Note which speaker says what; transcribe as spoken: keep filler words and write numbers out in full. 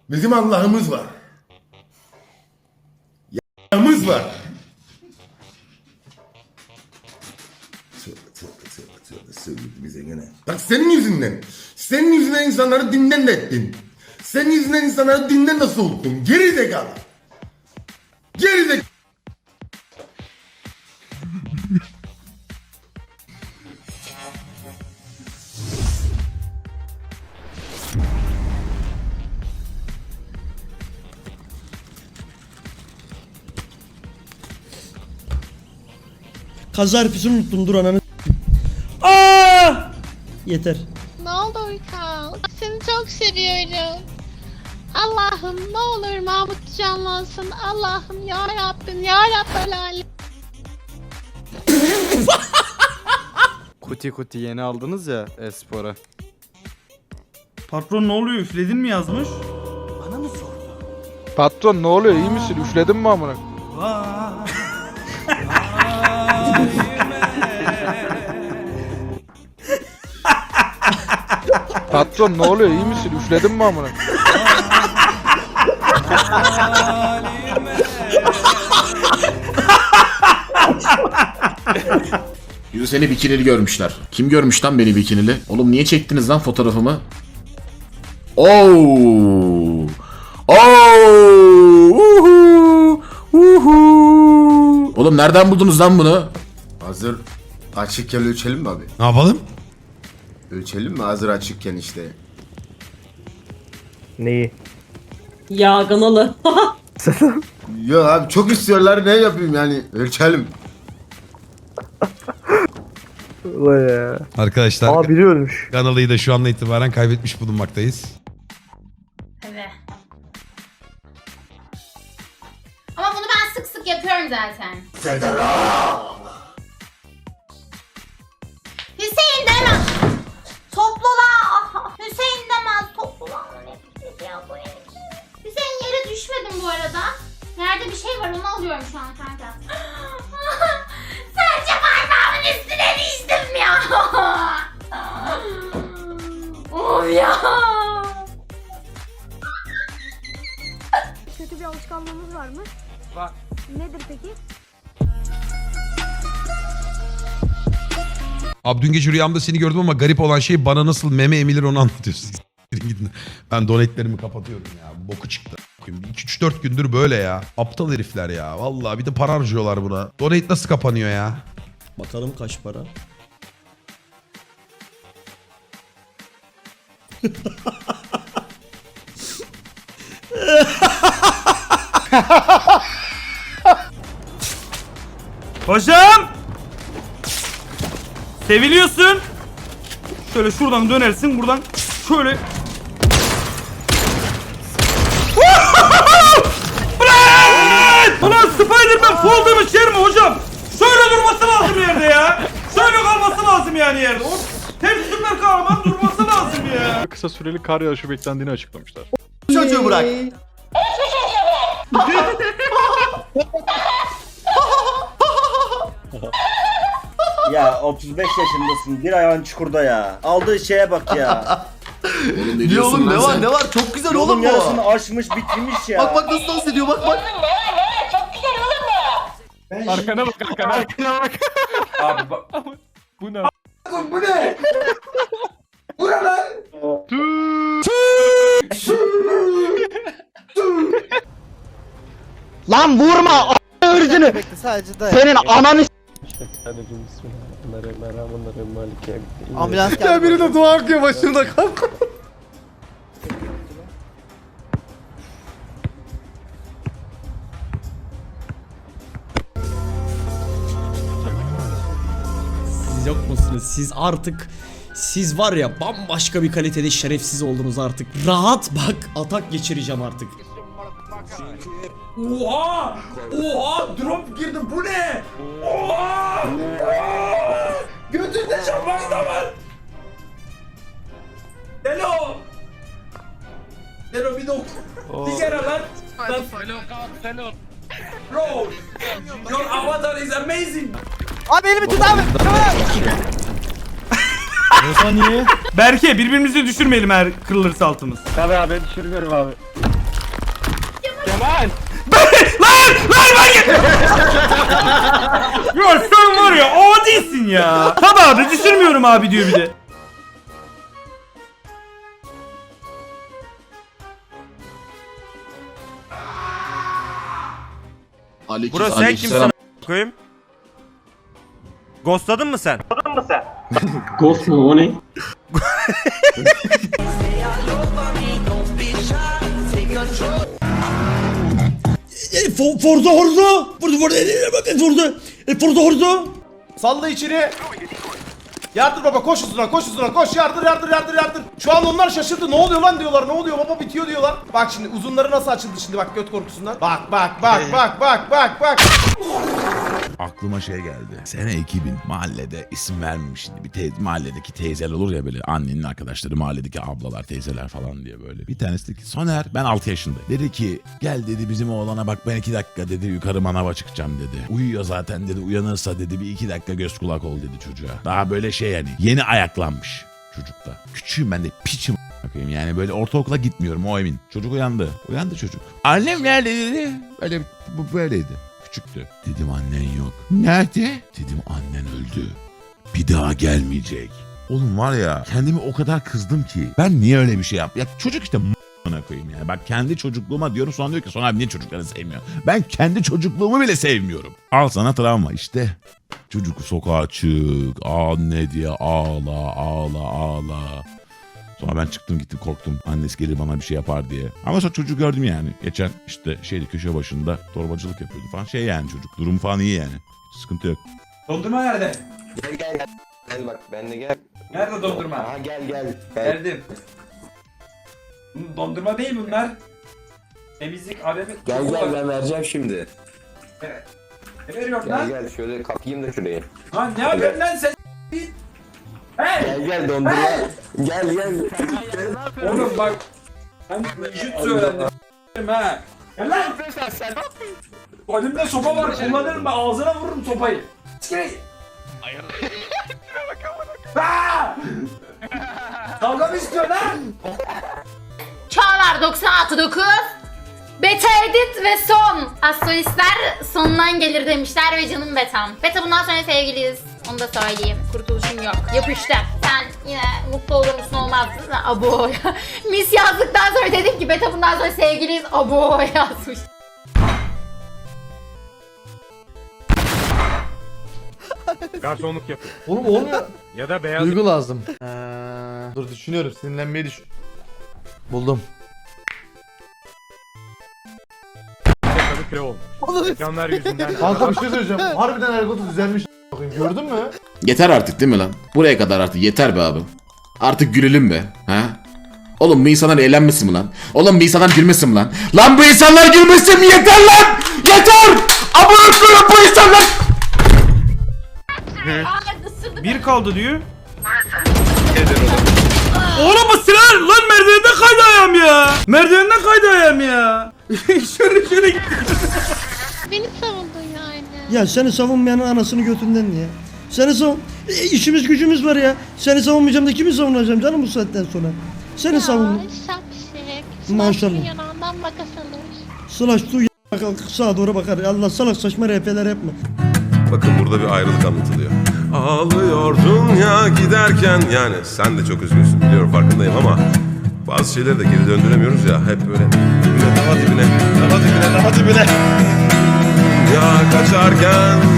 Speaker 1: Bizim Allah'ımız var. Yağımız var. Tövbe tövbe tövbe tövbe söyledi bize gene. Bak senin yüzünden. Senin yüzünden insanları dinden de ettin. Senin yüzünden insanları dinden de soğuttun. Geri zekalı. Geri zekalı.
Speaker 2: Kaza harfisini unuttum, dur ananı. Aa! Yeter.
Speaker 3: Ne oldu Uykan? Seni çok seviyorum. Allah'ım ne olur Mahmut canlansın. Allah'ım ya Rabbim ya Rabbel alem.
Speaker 4: Kuti kuti yeni aldınız ya Espor'a.
Speaker 5: Patron ne oluyor, üfledin mi yazmış?
Speaker 6: Patron ne oluyor, iyi misin? Üfledin mi amına? Patron ne oluyor, iyi misin? Üfledin mi amına?
Speaker 7: Yüzü seni bikinili görmüşler. Kim görmüş lan beni bikinili? Oğlum niye çektiniz lan fotoğrafımı? Oo! Oo! Uhu! Uhu! Oğlum nereden buldunuz lan bunu?
Speaker 1: Hazır açıkken ölçelim mi abi?
Speaker 8: Ne yapalım?
Speaker 1: Ölçelim mi hazır açıkken işte?
Speaker 9: Neyi?
Speaker 10: Ya kanalı.
Speaker 1: Ya abi çok istiyorlar, ne yapayım yani, ölçelim.
Speaker 9: Vay ya.
Speaker 8: Arkadaşlar
Speaker 9: Aa biri ölmüş.
Speaker 8: kanalıyı da şu andan itibaren kaybetmiş bulunmaktayız.
Speaker 3: Evet. Ama bunu ben sık sık yapıyorum zaten. Hüseyin demez. Toplula. Hüseyin demez. Toplula. Hüseyin yere düşmedim bu arada. Nerede bir şey var onu alıyorum şu an kanka. Sadece parmağımın üstüne düştüm ya. Of ya.
Speaker 10: Kötü bir alışkanlığımız var mı?
Speaker 6: Var.
Speaker 10: Nedir peki?
Speaker 8: Abi dün gece rüyamda seni gördüm ama garip olan şey bana nasıl meme emilir onu anlatıyorsun. Gidin. Ben donetlerimi kapatıyorum ya. Boku çıktı. iki üç dört gündür böyle ya. Aptal herifler ya. Vallahi bir de para harcıyorlar buna. Donate nasıl kapanıyor ya?
Speaker 2: Bakalım kaç para.
Speaker 5: Hocam! Seviliyorsun. Şöyle şuradan dönersin, buradan şöyle. Bırak! Ulan Spider-Man fall demiş yer mi hocam? Şöyle durması lazım yerde ya. Şöyle kalması lazım yani yerde. O hep süper kahraman durması lazım ya.
Speaker 6: Kısa süreli kar yağışı beklendiğini açıklamışlar.
Speaker 1: Çocuğu bırak.
Speaker 9: Ya otuz beş yaşındasın. Bir ayağın çukurda ya. Aldığı şeye bak ya.
Speaker 7: Oğlum ne diyorsun lan sen?
Speaker 1: var çok güzel
Speaker 9: Yolun yarısını aşmış bitirmiş ya.
Speaker 1: Bak bak nasıl dans ediyor, bak bak.
Speaker 6: Arkana bak, arkana. Arkana bak.
Speaker 5: Abi bak.
Speaker 6: Bu ne?
Speaker 1: Bu ne? Bu ne lan?
Speaker 9: Lan vurma a**ını ırzını. Senin ananı ambulans geldi.
Speaker 1: Ya biri de dua akıyor başında kanka.
Speaker 2: Siz yok musunuz? Siz artık, siz var ya bambaşka bir kalitede şerefsiz oldunuz artık. Rahat bak, atak geçireceğim artık.
Speaker 5: Oha! Oha! Drop girdi, bu ne? Oha! Götünde şampanya da var. Hello! Hello bir dok. Bir kere lan. Hello. Bro! Your avatar is amazing.
Speaker 9: Abi elimi tut abi.
Speaker 5: Berke birbirimizi düşürmeyelim eğer kırılırsa altımız.
Speaker 6: Tabii abi düşürüyorum abi.
Speaker 5: Ben, lan lan ben git. Ya sen var ya adisin ya. Tabii abi düşürmüyorum abi diyor bir de.
Speaker 7: Aleyküm,
Speaker 5: Burası sen
Speaker 7: aleyküm
Speaker 5: kimsin a- koyayım? Ghostladın mı sen?
Speaker 6: Ghost mu o ne?
Speaker 2: E, For, Forza Horzo. Forza Forza Forza e, Forza Horzo.
Speaker 5: Salla içeri. Yardır baba koş üstüne koş üstüne koş yardır yardır yardır yardır. Şu an onlar şaşırdı ne oluyor lan diyorlar ne oluyor baba bitiyor diyorlar. Bak şimdi uzunları nasıl açıldı şimdi bak göt korkusundan. Bak bak bak bak bak bak bak.
Speaker 11: Aklıma şey geldi. Sene iki bin mahallede isim vermeyeyim şimdi. Bir te- mahalledeki teyzeler olur ya böyle annenin arkadaşları mahalledeki ablalar teyzeler falan diye böyle. Bir tanesi dedi ki Soner ben altı yaşındayım. Dedi ki gel dedi bizim oğlana bak ben iki dakika dedi yukarı manava çıkacağım dedi. Uyuyor zaten dedi uyanırsa dedi bir iki dakika göz kulak ol dedi çocuğa. Daha böyle şey yani yeni ayaklanmış çocukta. Küçüğüm ben de piçim bakayım yani böyle ortaokula gitmiyorum o emin. Çocuk uyandı. Uyandı çocuk. Annem nerede dedi. Böyle bu böyleydi. Küçüktü. Dedim annen yok. Nerede? Dedim annen öldü. Bir daha gelmeyecek. Oğlum var ya kendimi o kadar kızdım ki. Ben niye öyle bir şey yaptım? Ya çocuk işte m***na koyayım yani. Bak kendi çocukluğuma diyorum sonra diyor ki sonra abi niye çocukları sevmiyor? Ben kendi çocukluğumu bile sevmiyorum. Al sana travma işte. Çocuk sokağa çık. Anne diye ağla ağla ağla. Sonra ben çıktım gittim korktum. Annesi gelir bana bir şey yapar diye. Ama sonra çocuğu gördüm yani. Geçen işte şeydi köşe başında torbacılık yapıyordu falan. Şey yani çocuk. Durum falan iyi yani. Hiç sıkıntı yok.
Speaker 5: Dondurma nerede?
Speaker 9: Gel gel gel. Gel bak ben de gel.
Speaker 5: Nerede dondurma?
Speaker 9: Aha gel gel.
Speaker 5: Verdim. Dondurma değil bunlar. Temizlik arabı.
Speaker 9: Gel gel ben vereceğim şimdi.
Speaker 5: Ne veriyorsun
Speaker 9: Gel gel şöyle kalkayım da şuraya.
Speaker 5: Lan ne yapıyorsun lan sen?
Speaker 9: Gel gel dondurma. Gel gel.
Speaker 5: Oğlum bak. Ben vücut öğrendim. Ha. Gel lan. Sen elimde sopa var kullanırım ben ağzına vururum sopayı. Çıkayım. Aaa! Kavga mı istiyorsun lan?
Speaker 3: Çağlar doksan altı dokuz. Beta edit ve son. Astrolistler sonundan gelir demişler ve canım betam. Beta bundan sonra sevgiliyiz. Onu da söyleyeyim. Kurtuluşum yok. Yapıştı. Sen yine mutlu olur musun olmaz mısın? Abo. Mis yazdıktan sonra dedim ki Beta bundan sonra sevgiliyiz. Abo yazmış.
Speaker 5: Garsonluk yapıyor.
Speaker 6: Oğlum olmuyor.
Speaker 5: Ya da beyaz.
Speaker 6: Duygu lazım. Ee, dur düşünüyorum sinirlenmeyi düşün. Buldum.
Speaker 5: Köy olmuş. Ekranlar yüzünden.
Speaker 6: Kanka bir şey söyleyeceğim. Harbiden ergotu düzelmiş. Bakayım gördün mü?
Speaker 7: Yeter artık değil mi lan? Buraya kadar artık yeter be abi. Artık gülelim be. Ha? Oğlum bu insanlar eğlenmesin mi lan? Oğlum bu insanlar gülmesin mi lan? Lan bu insanlar gülmesin mi? Yeter lan! Yeter! Amına koyayım bu insanlar!
Speaker 5: Bir kaldı diyor. Oğlum bu silah lan merdivenden kaydı ayağım ya. Merdivenden kaydı ayağım ya. şöyle şöyle gitti.
Speaker 3: Beni savundun yani.
Speaker 2: Ya seni savunmayanın anasını götünden ya. Seni savun... E, işimiz gücümüz var ya. Seni savunmayacağım da kimi savunacağım canım bu saatten sonra. Seni savun.
Speaker 3: Şapşik.
Speaker 2: Maşallah.
Speaker 3: Yanağından makas alır.
Speaker 2: Slash tu y- kalk sağa doğru bakar. Allah salak saçma R P'ler yapma.
Speaker 1: Bakın burada bir ayrılık anlatılıyor. Ağlıyordun ya giderken yani sen de çok üzgünsün biliyorum farkındayım ama bazı şeyleri de geri döndüremiyoruz ya hep böyle dibine, daha dibine, daha dibine, daha dibine. Ya kaçarken